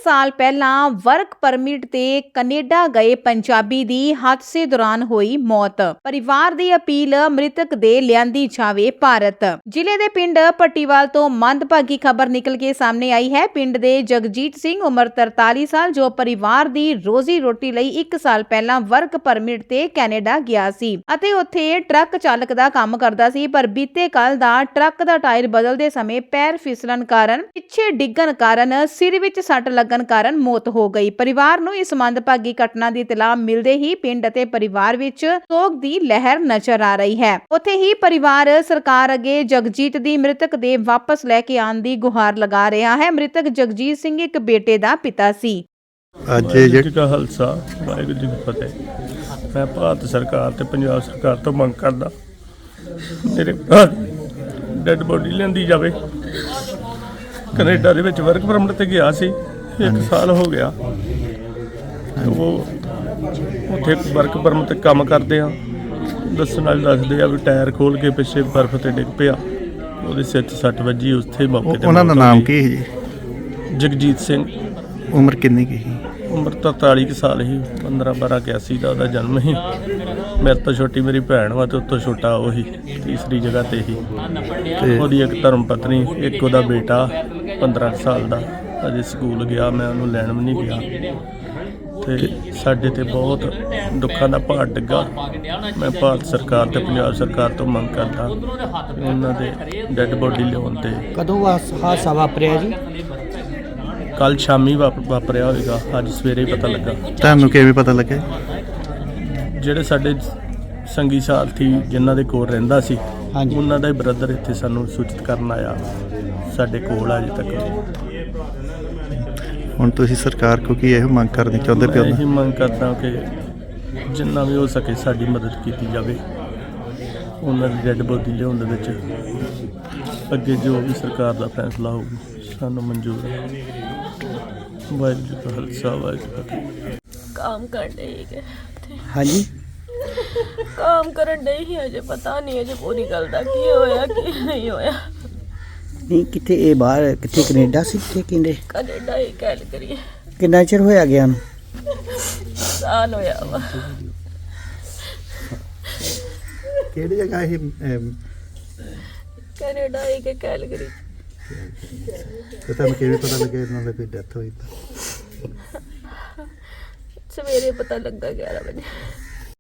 ਸਾਲ ਪਹਿਲਾਂ work permit ਤੇ ਕੈਨੇਡਾ ਗਏ ਪੰਜਾਬੀ ਦੀ ਹਾਦਸੇ ਦੌਰਾਨ ਹੋਈ ਮੌਤ। ਪਰਿਵਾਰ ਦੀ ਅਪੀਲ, ਮ੍ਰਿਤਕ ਦੇ ਲਿਆਂਦੀ ਜਾਵੇ ਭਾਰਤ। ਜ਼ਿਲ੍ਹੇ ਦੇ ਪਿੰਡ ਪੱਟੀਵਾਲ ਤੋਂ ਮੰਦਭਾਗੀ ਖਬਰ ਨਿਕਲ ਕੇ ਸਾਹਮਣੇ ਆਈ ਹੈ। ਪਿੰਡ ਦੇ ਜਗਜੀਤ ਸਿੰਘ ਉਮਰ 43 ਸਾਲ ਜੋ ਪਰਿਵਾਰ ਦੀ ਰੋਜ਼ੀ ਰੋਟੀ ਲਈ 1 ਸਾਲ ਪਹਿਲਾਂ ਵਰਕ ਪਰਮਿਟ ਤੇ ਕੈਨੇਡਾ ਗਿਆ ਸੀ ਅਤੇ ਉੱਥੇ ਟਰੱਕ ਚਾਲਕ ਦਾ ਕੰਮ ਕਰਦਾ ਸੀ, ਪਰ ਬੀਤੇ ਕੱਲ ਦਾ ਟਰੱਕ ਦਾ ਟਾਇਰ ਬਦਲਦੇ ਸਮੇਂ ਪੈਰ ਫਿਸਲਣ ਕਾਰਨ ਪਿੱਛੇ ਡਿੱਗਣ ਕਾਰਨ ਸਿਰ ਵਿੱਚ ਸੱਟ ਲੱਗਣ ਕਾਰਨ ਮੌਤ ਹੋ ਗਈ। ਪਰਿਵਾਰ ਨੂੰ ਇਸ ਮੰਦਭਾਗੀ ਘਟਨਾ ਦੀ ਇਤਲਾਹ ਮਿਲਦੇ ਹੀ ਪਿੰਡ ਅਤੇ ਪਰਿਵਾਰ ਵਿੱਚ ਸੋਗ ਦੀ ਲਹਿਰ ਨਜ਼ਰ ਆ ਰਹੀ ਹੈ। ਉੱਥੇ ਹੀ ਪਰਿਵਾਰ ਸਰਕਾਰ ਅੱਗੇ ਜਗਜੀਤ ਦੀ ਮ੍ਰਿਤਕ ਦੇ ਵਾਪਸ ਲੈ ਕੇ ਆਉਣ ਦੀ ਗੁਹਾਰ ਲਗਾ ਰਿਹਾ ਹੈ। ਮ੍ਰਿਤਕ ਜਗਜੀਤ ਸਿੰਘ ਇੱਕ ਬੇਟੇ ਦਾ ਪਿਤਾ ਸੀ। ਅੱਜ ਜੀ ਕਾ ਖਾਲਸਾ ਵਾਹਿਗੁਰੂ ਜੀ ਕੀ ਫਤਿਹ। ਮੈਂ ਭਾਰਤ ਸਰਕਾਰ ਤੇ ਪੰਜਾਬ ਸਰਕਾਰ ਤੋਂ ਮੰਗ ਕਰਦਾ ਮੇਰੇ ਭਰਾ ਡੈਡ ਬੋਡੀ ਲਿਆਂਦੀ ਜਾਵੇ। ਕੈਨੇਡਾ ਦੇ ਵਿੱਚ ਵਰਕ ਪਰਮਿਟ ਤੇ ਗਿਆ ਸੀ, 1 ਸਾਲ ਹੋ ਗਿਆ। ਉਹ ਉੱਥੇ ਵਰਕ ਪਰਮਿਟ ਤੇ ਕੰਮ ਕਰਦੇ ਆ। ਦੱਸਣ ਵਾਲੇ ਦੱਸਦੇ ਆ ਵੀ ਟਾਇਰ ਖੋਲ ਕੇ ਪਿੱਛੇ ਬਰਫ਼ ਤੇ ਡਿੱਗ ਪਿਆ, ਉਹਦੇ ਸਿਰ 'ਚ ਸੱਟ ਵੱਜੀ। ਉੱਥੇ ਮੌਕੇ ਤੇ ਉਹਨਾਂ ਦਾ ਨਾਮ ਕੀ ਹੈ ਜੀ? ਜਗਜੀਤ ਸਿੰਘ। ਉਮਰ ਕਿੰਨੀ ਕੀ ਸੀ? ਉਮਰ ਤਾਂ 43 ਸਾਲ ਸੀ। 15/12/81 ਦਾ ਉਹਦਾ ਜਨਮ ਸੀ। ਮੇਰੇ ਤੋਂ ਛੋਟੀ ਮੇਰੀ ਭੈਣ ਵਾ ਤੇ ਉਤੋਂ ਛੋਟਾ ਉਹੀ ਤੀਸਰੀ ਜਗ੍ਹਾ ਤੇ ਹੀ। ਉਹਦੀ ਇੱਕ ਧਰਮ ਪਤਨੀ, ਇੱਕ ਉਹਦਾ ਬੇਟਾ 15 ਸਾਲ ਦਾ ਅਜੇ ਸਕੂਲ ਗਿਆ। ਮੈਂ ਉਹਨੂੰ ਲੈਣ ਵੀ ਨਹੀਂ ਗਿਆ ਤੇ ਸਾਡੇ ਤੇ ਬਹੁਤ ਦੁੱਖਾਂ ਦਾ ਭਾਰ ਡਿੱਗਾ। ਮੈਂ ਭਾਰਤ ਸਰਕਾਰ ਤੇ ਪੰਜਾਬ ਸਰਕਾਰ ਤੋਂ ਮੰਗ ਕਰਦਾ ਉਹਨਾਂ ਦੇ ਡੈੱਡ ਬੋਡੀ ਲਿਆਉਣ ਤੇ। ਕਦੋਂ ਹਾਦਸਾ ਵਾਪਰਿਆ ਜੀ? ਕੱਲ ਸ਼ਾਮੀ ਵਾਪਰਿਆ ਹੋਵੇਗਾ, ਅੱਜ ਸਵੇਰੇ ਪਤਾ ਲੱਗਾ। ਤੁਹਾਨੂੰ ਕਿਵੇਂ ਪਤਾ ਲੱਗਾ? ਜਿਹੜੇ ਸਾਡੇ ਸੰਗੀ ਸਾਥੀ ਜਿਨ੍ਹਾਂ ਦੇ ਕੋਲ ਰਹਿੰਦਾ ਸੀ, ਹਾਂਜੀ, ਉਹਨਾਂ ਦਾ ਹੀ ਬ੍ਰਦਰ ਇੱਥੇ ਸਾਨੂੰ ਸੂਚਿਤ ਕਰਨ ਆਇਆ। ਸਾਡੇ ਕੋਲ ਅਜੇ ਤੱਕ। ਹੁਣ ਤੁਸੀਂ ਸਰਕਾਰ ਕੋ ਕੀ ਇਹੋ ਮੰਗ ਕਰਨੀ ਚਾਹੁੰਦੇ ਮੈਂ ਪਿਓ? ਇਹੀ ਮੰਗ ਕਰਦਾ ਕਿ ਜਿੰਨਾ ਵੀ ਹੋ ਸਕੇ ਸਾਡੀ ਮਦਦ ਕੀਤੀ ਜਾਵੇ। ਉਹਨਾਂ ਦੀ ਡੈੱਡ ਬੋਡੀ ਲਿਆਉਣ ਦੇ ਵਿੱਚ ਅੱਗੇ ਜੋ ਵੀ ਸਰਕਾਰ ਦਾ ਫੈਸਲਾ ਹੋਊਗਾ ਸਾਨੂੰ ਮਨਜ਼ੂਰ ਹੈ। ਵਾਹਿਗੁਰੂ ਜੀ ਕਾ ਖਾਲਸਾ ਵਾਹਿਗੁਰੂ ਜੀ ਕੀ ਫਤਿਹ। काम कर रही है हाँ जी, काम करन डई ही अजे पता नहीं अजे पूरी गल दा की होया की नहीं होया। नहीं किथे ये बाहर किथे कनेडा सी किथे किंदे कनेडा ही गल करिए किन्ना चिर होया गया नूं? साल होया वा। ਕਿਹੜੀ ਜਗ੍ਹਾ ਇਹ? कनेडा ही के गल करी। ਤੇ ਤੁਹਾਨੂੰ ਕਿਵੇਂ ਪਤਾ ਲੱਗਿਆ ਇਹਨਾਂ ਦੀ ਕੋਈ ਡੈਥ ਹੋਈ ਤਾਂ? सवेरे पता लगा 11 बजे।